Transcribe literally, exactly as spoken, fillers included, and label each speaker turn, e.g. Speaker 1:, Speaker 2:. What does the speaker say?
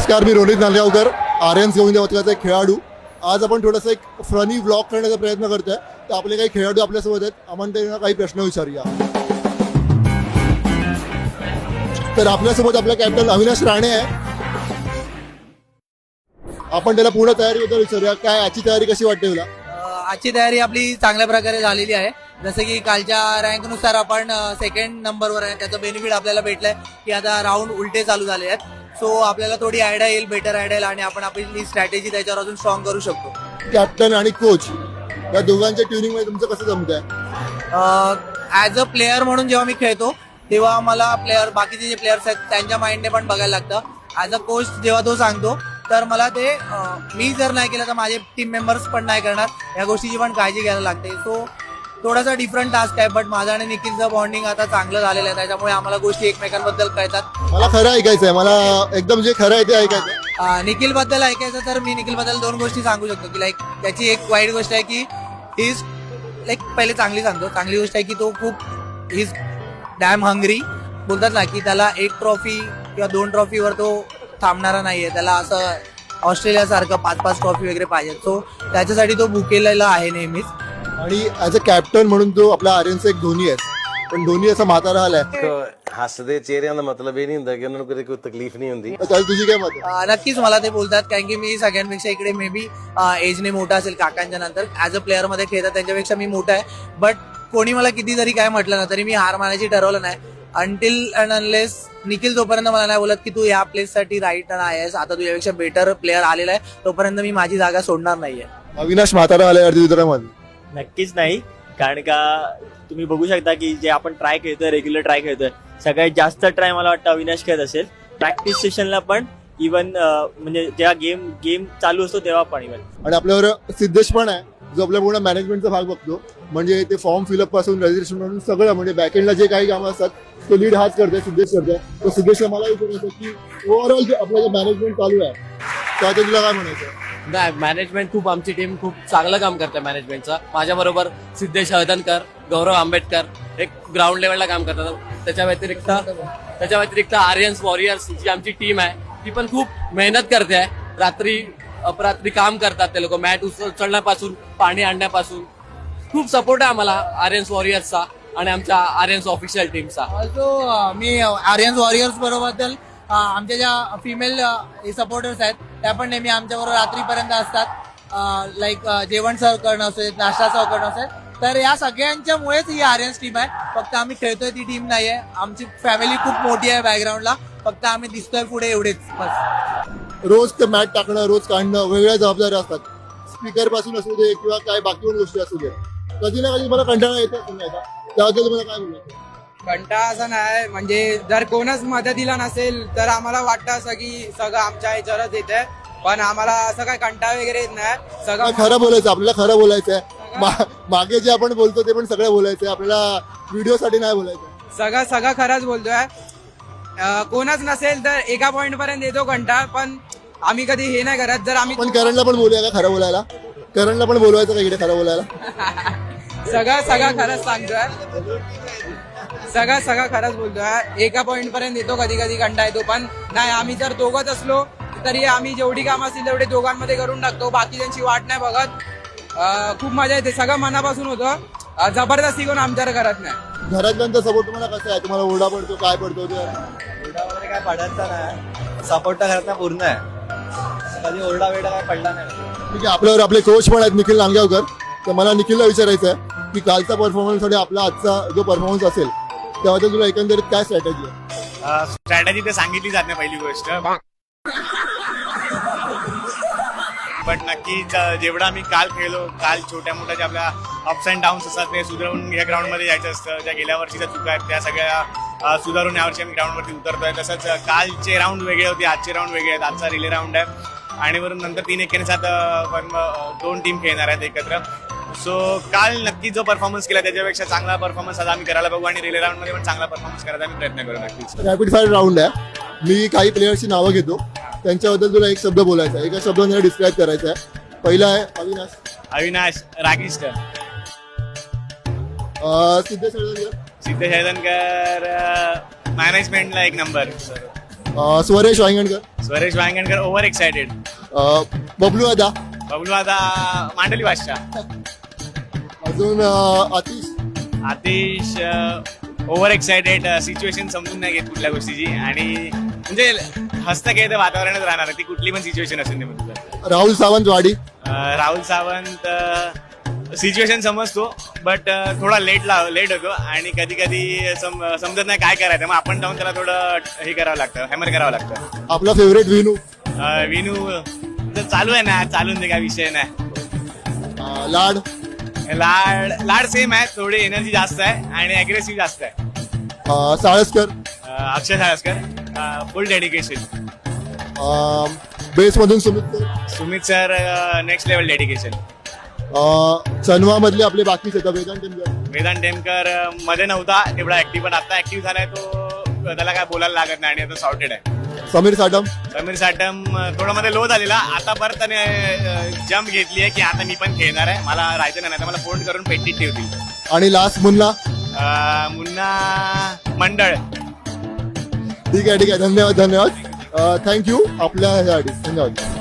Speaker 1: नमस्कार, मी रोनित नांदगावकर, आर्यन्स गोविंद पथकाचा एक खेळाडू. आज आपण थोडासा एक फनी व्लॉग करण्याचा प्रयत्न करतोय. तर आपले काही खेळाडू आपल्यासोबत आहेत, आपण त्यांना काही प्रश्न विचारूया. तर आपल्यासोबत आपला कॅप्टन अविनाश राणे आहे. आपण त्याला पूर्ण तयारीबद्दल विचारूया. काय आजची तयारी कशी वाटते तुला?
Speaker 2: आजची तयारी आपली चांगल्या प्रकारे झालेली आहे. जसं की कालच्या रँकनुसार आपण सेकंड नंबरवर आहे. त्याचं बेनिफिट आपल्याला भेटलंय की आता राऊंड उलटे चालू झाले आहेत. सो आपल्याला थोडी आयडिया येईल, बेटर आयडिया येईल आणि आपण आपली स्ट्रॅटेजी त्याच्यावर अजून स्ट्रॉंग करू शकतो.
Speaker 1: कॅप्टन आणि कोच या दोघांच्या ट्युनिंग मध्ये तुमचं कसं जमत आहे?
Speaker 2: ॲज अ प्लेअर म्हणून जेव्हा मी खेळतो तेव्हा मला प्लेअर बाकीचे जे प्लेयर्स आहेत त्यांच्या माइंडने पण बघायला लागतं. ॲज अ कोच जेव्हा तो सांगतो तर मला ते मी जर नाही केलं तर माझे टीम मेंबर्स पण नाही करणार, या गोष्टीची पण काळजी घ्यायला लागते. सो थोडासा डिफरंट टास्क आहे, बट माझा आणि निखिलचं बॉन्डिंग आता चांगलं झालेलं आहे. त्याच्यामुळे आम्हाला गोष्टी एकमेकांबद्दल कळतात.
Speaker 1: मला खरं ऐकायचं आहे, मला एकदम जे खरं आहे ते ऐकायचं आहे.
Speaker 2: निखिल बद्दल ऐकायचं तर मी निखिल बद्दल दोन गोष्टी सांगू शकतो की लाईक त्याची एक वाईट गोष्ट आहे की इज लाईक पहिले चांगली सांगतो. चांगली गोष्ट आहे की तो खूप इज डॅम हंग्री. बोलतात ना की त्याला एक ट्रॉफी किंवा दोन ट्रॉफीवर तो थांबणारा नाहीये. त्याला असं ऑस्ट्रेलियासारखं पाच पाच ट्रॉफी वगैरे पाहिजे. सो त्याच्यासाठी तो भुकेलेला आहे नेहमीच.
Speaker 1: आणि ऍज अ कॅप्टन म्हणून तो आपला आर्यनचा एक धोनी आहे. पण धोनी असा म्हातारा आलाय,
Speaker 3: हसदे चेहरे का मतलब ये नहीं होता कि उन्होंने कोई तकलीफ नहीं होती.
Speaker 1: त्याला तुझी काय मत आहे?
Speaker 2: अं, नक्कीच मला ते बोलतात कारण की मी सगळ्यांपेक्षा इकडे मे बी एजने मोठा असेल काकांच्या नंतर. ऍज अ प्लेअर मध्ये खेळतात त्यांच्यापेक्षा मी मोठा आहे. बट कोणी मला किती जरी काय म्हटलं ना तरी मी हार मानायची ठरवलं नाही. अंटिल अँड अनलेस निखिल जोपर्यंत मला नाही बोलत की तू या प्लेस साठी राईट आहेस, आता तुझ्यापेक्षा बेटर प्लेअर आलेला आहे, तोपर्यंत मी माझी जागा सोडणार नाहीये.
Speaker 1: अविनाश म्हातारा आलाय अर्धविरामध्ये?
Speaker 4: नक्कीच नाही, कारण का तुम्ही बघू शकता की जे आपण ट्राय खेळतोय, रेग्युलर ट्राय खेळतोय, सगळ्यात जास्त ट्राय मला वाटतं अविनाश खेळत असेल. प्रॅक्टिस सेशनला पण इव्हन म्हणजे जेव्हा गेम गेम चालू असतो तेव्हा पण इव्हन.
Speaker 1: आणि आपल्यावर सिद्धेश पण आहे जो आपल्या पूर्ण मॅनेजमेंटचा भाग बघतो. म्हणजे ते फॉर्म फिलअप पासून रजिस्ट्रेशन पासून सगळं, म्हणजे बॅकएंडला जे काही कामं असतात तो लीड हाच करतोय, सिद्धेश करतोय. तो सिद्धेशला मला विचारायचं की ओव्हरऑल जे आपलं जे मॅनेजमेंट चालू आहे त्याचं तुला काय म्हणायचं?
Speaker 5: नाही, मॅनेजमेंट खूप, आमची टीम खूप चांगलं काम करते मॅनेजमेंटचं. माझ्याबरोबर सिद्धेश हळदणकर, गौरव आंबेडकर एक ग्राउंड लेवलला काम करतात. त्याच्या व्यतिरिक्त त्याच्या व्यतिरिक्त आर्यन्स वॉरियर्स जी आमची टीम आहे ती पण खूप मेहनत करते आहे. रात्री अपरात्री काम करतात ते लोक, मॅट उचलण्यापासून पाणी आणण्यापासून. खूप सपोर्ट आहे आम्हाला आर्यन्स वॉरियर्सचा आणि आमच्या आर्यन्स ऑफिशियल टीमचा.
Speaker 2: ऑल्सो मी आर्यन्स वॉरियर्स बरोबर आमच्या ज्या फिमेल सपोर्टर्स आहेत त्या पण नेहमी आमच्याबरोबर रात्रीपर्यंत असतात. लाईक जेवण सर्व करणं असेल, नाश्ता सर्व करणं असेल, तर या सगळ्यांच्यामुळेच ही आर्यन्स टीम आहे. फक्त आम्ही खेळतोय ती टीम नाहीये. आमची फॅमिली खूप मोठी आहे बॅकग्राऊंडला, फक्त आम्ही दिसतोय पुढे एवढेच बस.
Speaker 1: रोज ते मॅट टाकणं, रोज काढणं, वेगवेगळ्या जबाबदाऱ्या असतात. स्पीकर पासून असू दे किंवा काय बाकी पण गोष्टी असू दे, कधी ना कधी मला कंटाळा येतो. त्याबद्दल मला काय बोलायचं?
Speaker 6: कंटाळा असा नाही, म्हणजे जर कोणच मदतीला नसेल तर आम्हाला वाटतं असं की सगळं आमच्या ह्याच्यावरच येतंय. पण आम्हाला असं काय कंटाळा वगैरे येत नाही. सगळं
Speaker 1: खरं बोलायचं, आपल्याला खरं बोलायचं आहे. मागे जे आपण बोलतो ते पण सगळं बोलायचं आहे, आपल्याला व्हिडिओ साठी नाही बोलायचं.
Speaker 6: सगळं सगळं खरंच बोलतोय. कोणच नसेल तर एका पॉइंट पर्यंत येतो कंटाळा, पण आम्ही कधी हे नाही करत. जर आम्ही
Speaker 1: पण करणला पण बोलूया का खरं बोलायला? करणला पण बोलवायचं का इकडे खरं बोलायला?
Speaker 6: सगळं सगळं खरंच सांगतोय. सगळं सगळं खरंच बोलतोय. एका पॉइंट पर्यंत येतो, कधी कधी कंटाळा येतो. पण नाही, आम्ही जर दोघंच असलो तरी आम्ही जेवढी कामं असतील तेवढे दोघांमध्ये करून टाकतो. बाकी त्यांची वाट नाही बघत. खूप मजा येते. सगळं मनापासून होतं. जबरदस्ती कोण आमच्यावर करत नाही.
Speaker 1: घरातल्यांचा सपोर्ट तुम्हाला कसं आहे? तुम्हाला ओरडा पडतो, काय पडतो?
Speaker 4: ओरडा वगैरे काय पडायचा नाही, सपोर्ट तर घरात पूर्ण आहे. कधी ओरडा वेडा काय पडला नाही.
Speaker 1: ठीक आहे. आपल्यावर आपले कोच पण आहेत निखिल नांदगावकर. तर मला निखिलला विचारायचं आहे की कालचा परफॉर्मन्स आणि आपला आजचा जो परफॉर्मन्स असेल त्याबद्दल तुला एकंदरीत काय स्ट्रॅटेजी आहे?
Speaker 7: स्ट्रॅटेजी तर सांगितली जात नाही पहिली गोष्ट, बट नक्कीच जेवढा आम्ही काल खेळलो, काल छोट्या मोठ्या ज्या आपल्या अप्स अँड डाऊन्स असतात ते सुधारून या ग्राउंडमध्ये जायचं असतं. ज्या गेल्या वर्षीच्या चुका आहेत त्या सगळ्या सुधारून यावर्षी आम्ही ग्राउंडवरती उतरतोय. तसंच कालचे राऊंड वेगळे होते, आजचे राऊंड वेगळे आहेत. आजचा रिले राऊंड आहे आणि वरून नंतर तीन एकेने सात पण दोन टीम खेळणार आहेत एकत्र. सो काल नक्की जो परफॉर्मन्स केला त्याच्यापेक्षा चांगला परफॉर्मन्स आज आम्ही करायला बघू आणि रिले राऊंड मध्ये पण चांगला परफॉर्मन्स करायचा आम्ही प्रयत्न करू. नक्कीच
Speaker 1: रॅपिड फायर राऊंड आहे. मी काही प्लेयर्सची नावं घेतो, त्यांच्याबद्दल तुला एक शब्द बोलायचा आहे, एका शब्दाने डिस्क्राईब करायचा आहे. पहिला आहे अविनाश.
Speaker 7: अविनाश रागिष्ट.
Speaker 1: सिद्धेश हळदणकर.
Speaker 7: सिद्धेश हळदणकर मॅनेजमेंटला एक नंबर.
Speaker 1: अं, स्वरेश वांगणकर,
Speaker 7: स्वरेश वांगणकर ओव्हर एक्सायटेड.
Speaker 1: अं, बबलू दादा,
Speaker 7: बबलू आता मांडली भाषा.
Speaker 1: अजून अं, Atish,
Speaker 7: Atish over excited, situation समजून नाही घेत कुठल्या गोष्टीची आणि म्हणजे हस्तखेळ वातावरणात राहणार ती कुठली पण सिच्युएशन असेल म्हणजे.
Speaker 1: राहुल सावंत वाडी,
Speaker 7: राहुल सावंत सिच्युएशन समजतो बट थोडा लेट लेट होतो आणि कधी कधी सम समजत नाही काय करायचं, मग आपण जाऊन त्याला थोडं हे करावं लागतं, हॅमर करावं लागतं.
Speaker 1: आपला फेवरेट विनू,
Speaker 7: अं, विनू तर चालू आहे ना, चालून दे काय विषय नाही.
Speaker 1: अं, लाड,
Speaker 7: लाड लाड सेम आहे, थोडी एनर्जी जास्त आहे आणि अग्रेसिव्ह जास्त आहे.
Speaker 1: अं, साळसकर,
Speaker 7: अं, Akshay Salaskar full dedication.
Speaker 1: Base मधून Sumit sir,
Speaker 7: Sumit sir next level dedication.
Speaker 1: चनवा मधले आपले बाकीचे तर वेदांत टेमकर,
Speaker 7: वेदांत टेमकर अं, मध्ये नव्हता तेवढा ऍक्टिव्ह, पण आता ऍक्टिव्ह झालाय तो, त्याला काय बोलायला लागत नाही आणि आता सॉर्टेड आहे.
Speaker 1: समीर साटम,
Speaker 7: समीर साटम अं, थोडं मध्ये लो झालेला, आता परत त्याने जम्प घेतली आहे की आता मी पण खेळणार आहे, मला राहायचं नाही तर मला फोन करून पेटीत ठेवतील.
Speaker 1: आणि लास्ट मुन्ना.
Speaker 7: अं, मुन्ना मंडळ.
Speaker 1: ठीक आहे ठीक आहे, धन्यवाद धन्यवाद, थँक्यू आपल्या ह्यासाठी, धन्यवाद.